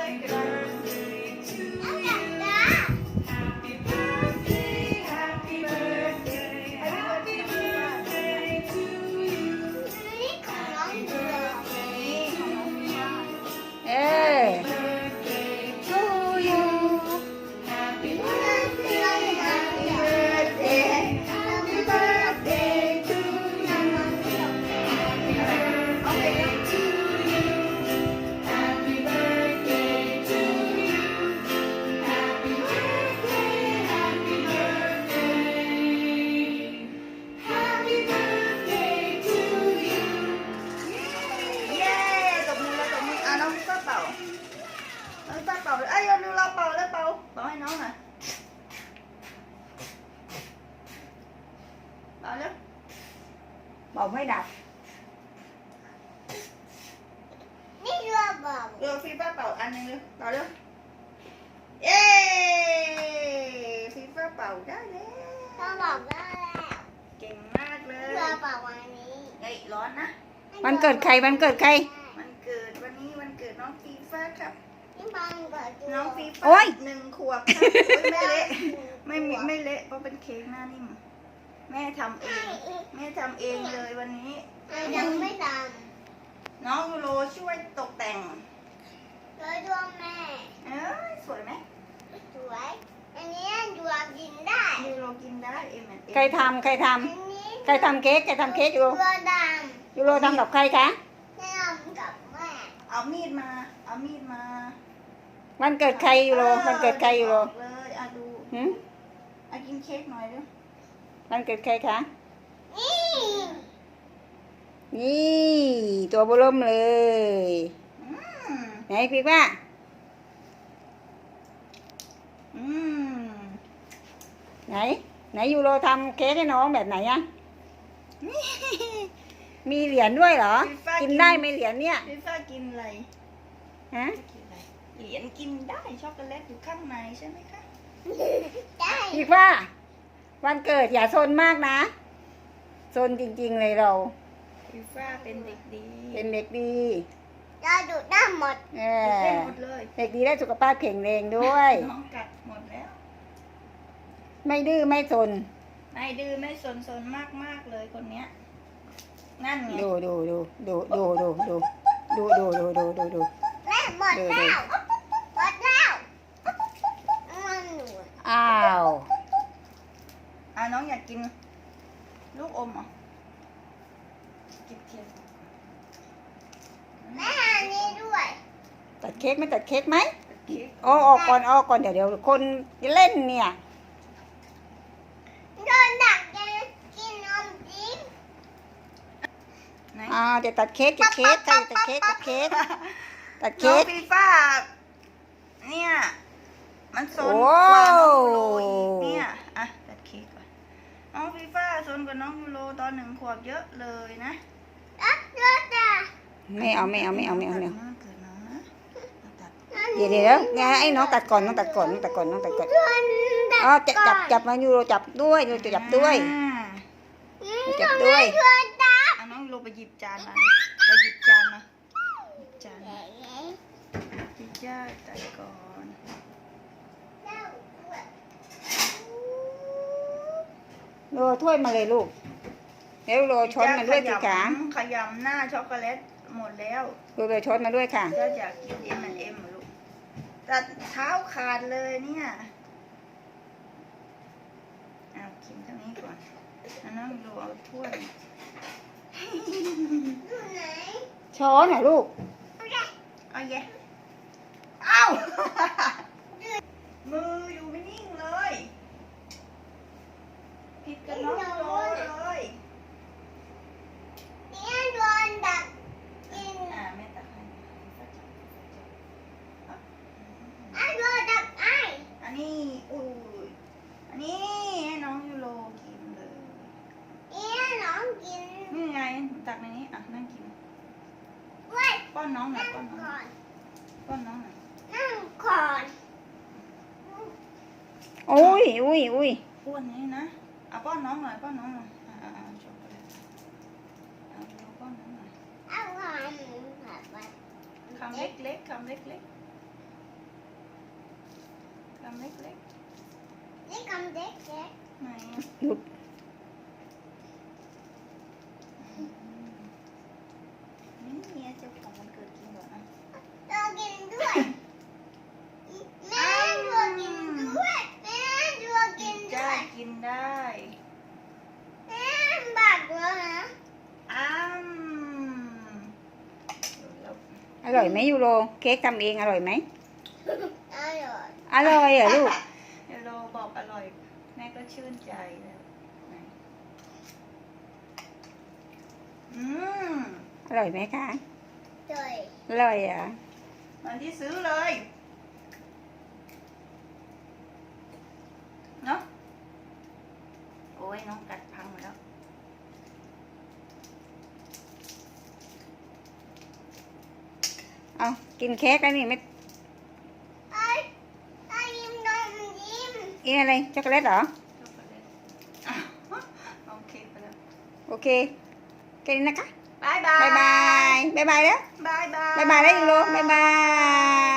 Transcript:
เป่าไม่ดับนี่เรือเปล่าฟีฟ้าเป่าอันนึงเลยเป่าเร็วเย้ฟีฟ้าเป่าได้แล้วเราบอกได้แล้วเก่งมากเลยเรือเปล่าวันนี้เฮ้ยร้อนนะวันเกิดใครวันเกิดใครวันเกิดวันนี้วันเกิดน้องฟีฟ้าครับน้องฟีฟ้า1 ขวบครับไม่เละไม่เละเพราะเป็นเค้กหน้านิ่มแม่ทำเองเลยวันนี้ยังไม่ดน้องยูโรช่วยตกแต่งเลยดวงแม่สวยไหมสวยอันนี้ยูโรกินได้ยูโรกินได้ใครทำเค้กยูโรทำกับใครคะทำกับแม่เอามีดมาวันเกิดใครยูโรวันเกิดใครยูโรเลยดูกินเค้กหน่อยด้วยวันเกิดใครคะนี่ตัวเบิ่มเลยไหนพี่ว่าไหนยูโรทำเค้กให้น้องแบบไหนอะมีเหรียญด้วยเหรอกินได้ไหมเหรียญเนี่ยพี่ฟ้ากินอะไรฮะเหรียญกินได้ช็อกโกแลตอยู่ข้างในใช่ไหมคะพี่ว่าวันเกิดอย่าซนมากนะซนจริงๆเลยเราพี่ฟ้าเป็นเด็กดีเราดูได้หมดเลยเด็กดีได้สุขภาพแข็งแรงด้วยน้องกัดหมดแล้วไม่ดื้อไม่ซนซนมากเลยคนเนี้ยนั่นไงดูแม่หมดแล้วอ้าวน้องอยากกินลูกอมเหรอกินเค้กแม่อันนี้ด้วยตัดเค้กไหมออกก่อนเดี๋ยวคนเล่นเนี่ยโดนดักกินนมจิ้มเดี๋ยวตัดเค้กตัดเค้กน้องฟีฟ้าเนี่ยมันโซนกว่าน้องยูโรอีกเนี่ยตัดเค้กก่อนน้องฟีฟ้าโซนกว่าน้องยูโรตอน1 ขวบเยอะเลยนะไม่เอาเดี๋ยวไอ้น้องตัดก่อนจับมายูโรจับด้วยน้องยูโรไปหยิบจานมาจิจ้าตัดก่อนโรถ้วยมาเลยลูกแล้วโรช้อนมาด้วยสิคะขยำหน้าช็อกโกแลตหมดแล้วโรช้อนมาด้วยค่ะจะอยากกินM&M ลูกตัดเท้าขาดเลยเนี่ยกินตรงนี้ก่อนน้องดูเอาถ้วยช้อนน่ะลูกเอาแย่เอามืออยู่ไม่นิ่งเลยผิดกันน้องโรเลยเนี่ยโดนดักกินแม่ตักให้โดนดักอันนี้อันนี้ให้น้องยูโรกินเลยเนี่ยน้องกินนี่ไงตักในนี้นั่งกินป้อนน้องหน่อยนั่งก่อนอุ้ยป้อนนี้นะป้อนน้องหน่อยช็อกโกแลตป้อนน้องหน่อยคำเล็กำเล็กนี่คำเด็กเด็กๆไหนดูนี่เมียเจ้าของมันเกิดกินก่อนนะเรากินด้วยแม่ดูกินด้วยแม่ดูกินด้ได้วยกินได้แม่บักแล้วนะอ้ามแล้วอร่อยไหมยูโรเค้กทำเองอร่อยไหมอร่อยอร่อยเหรอลูกเดี๋ยวโลบอกอร่อย แม่ก็ชื่นใจแล้วไหนอืมอร่อยไหมคะเลยอร่อยเหรอมันที่ซื้อเลยเนาะโอ้ยน้องกัดพังหมดแล้วเอากินเค้กแล้วนี่ไม่ไอ้ยิ้มนมยิ้มกินอะไรช็อกโกแลตเหรอช็อกโกแลตอ้าวน้องเค้กไปแล้วโอเคแค่นี้นะคะบายบายบายบายบายบายแล้วบายบายบายบายแล้วยูโรบายบาย